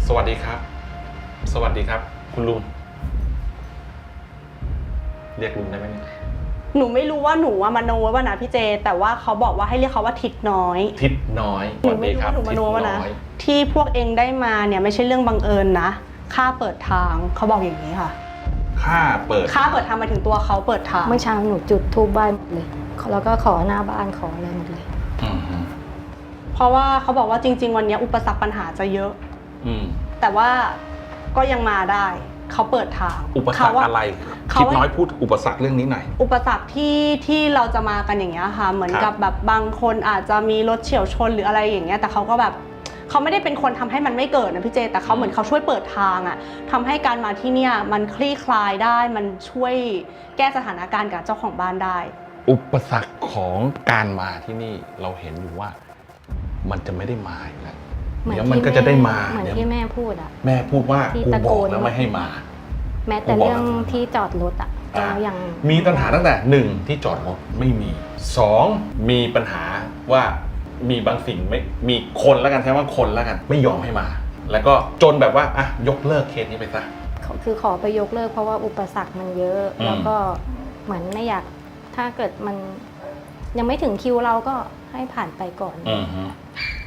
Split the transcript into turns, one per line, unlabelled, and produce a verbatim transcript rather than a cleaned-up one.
สวัสดีครับสวัสดีครับคุณลุงเรียกลุงได้ไหมเนี่ย
หนูไม่รู้ว่าหนูว่ามโนว่านะพี่เจแต่ว่าเขาบอกว่าให้เรียกเขาว่าทิศน้อย
ทิศน้อย
หนูไม่รู้ว่าหนูมโนว่านะที่พวกเองได้มาเนี่ยไม่ใช่เรื่องบังเอิญนะข้าเปิดทางเขาบอกอย่างนี้ค่ะ
ข้าเปิด
ข้าเปิดทางมาถึงตัวเขาเปิดทาง
เมื่อเช้าหนูจุดธูปไหว้หมดเลยแล้วก็ขอหน้าบ้านขออะไรหมดเลย
เพราะว่าเขาบอกว่าจริงๆวันนี้อุปสรรคปัญหาจะเยอะแต่ว่าก็ยังมาได้เขาเปิดทาง
อุปสรรคอะไรทิศน้อยพูดอุปสรรคเรื่องนี้หน่อย
อุปสรรคที่ที่เราจะมากันอย่างเงี้ยค่ะเหมือนกับแบบบางคนอาจจะมีรถเฉี่ยวชนหรืออะไรอย่างเงี้ยแต่เขาก็แบบเขาไม่ได้เป็นคนทำให้มันไม่เกิดนะพี่เจแต่เขาเหมือนเขาช่วยเปิดทางอะทำให้การมาที่เนี่ยมันคลี่คลายได้มันช่วยแก้สถานการณ์กับเจ้าของบ้านได้
อุปสรรคของการมาที่นี่เราเห็นอยู่ว่ามันจะไม่ได้มาอีกแล้วเดี๋ยวมันก็จะได้มา
เหมือนที่แม่พูดอะ
แม่พูดว่ากูบอกแล้วไม่ให้มา
แม้แต่เรื่องที่จอดรถอะเรายัง
มีปัญหาตั้งแต่หนึ่งที่จอดรถไม่มีสองมีปัญหาว่ามีบางสิ่งไม่มีคนแล้วกันใช่ไหมว่าคนแล้วกันไม่ยอมให้มา แล้วก็จนแบบว่าอ่ะยกเลิกเคสนี้ไปซะ
คือขอไปยกเลิกเพราะว่าอุปสรรคมันเยอะแล้วก็เหมือนไม่อยากถ้าเกิดมันยังไม่ถึงคิวเราก็ให้ผ่านไปก่อน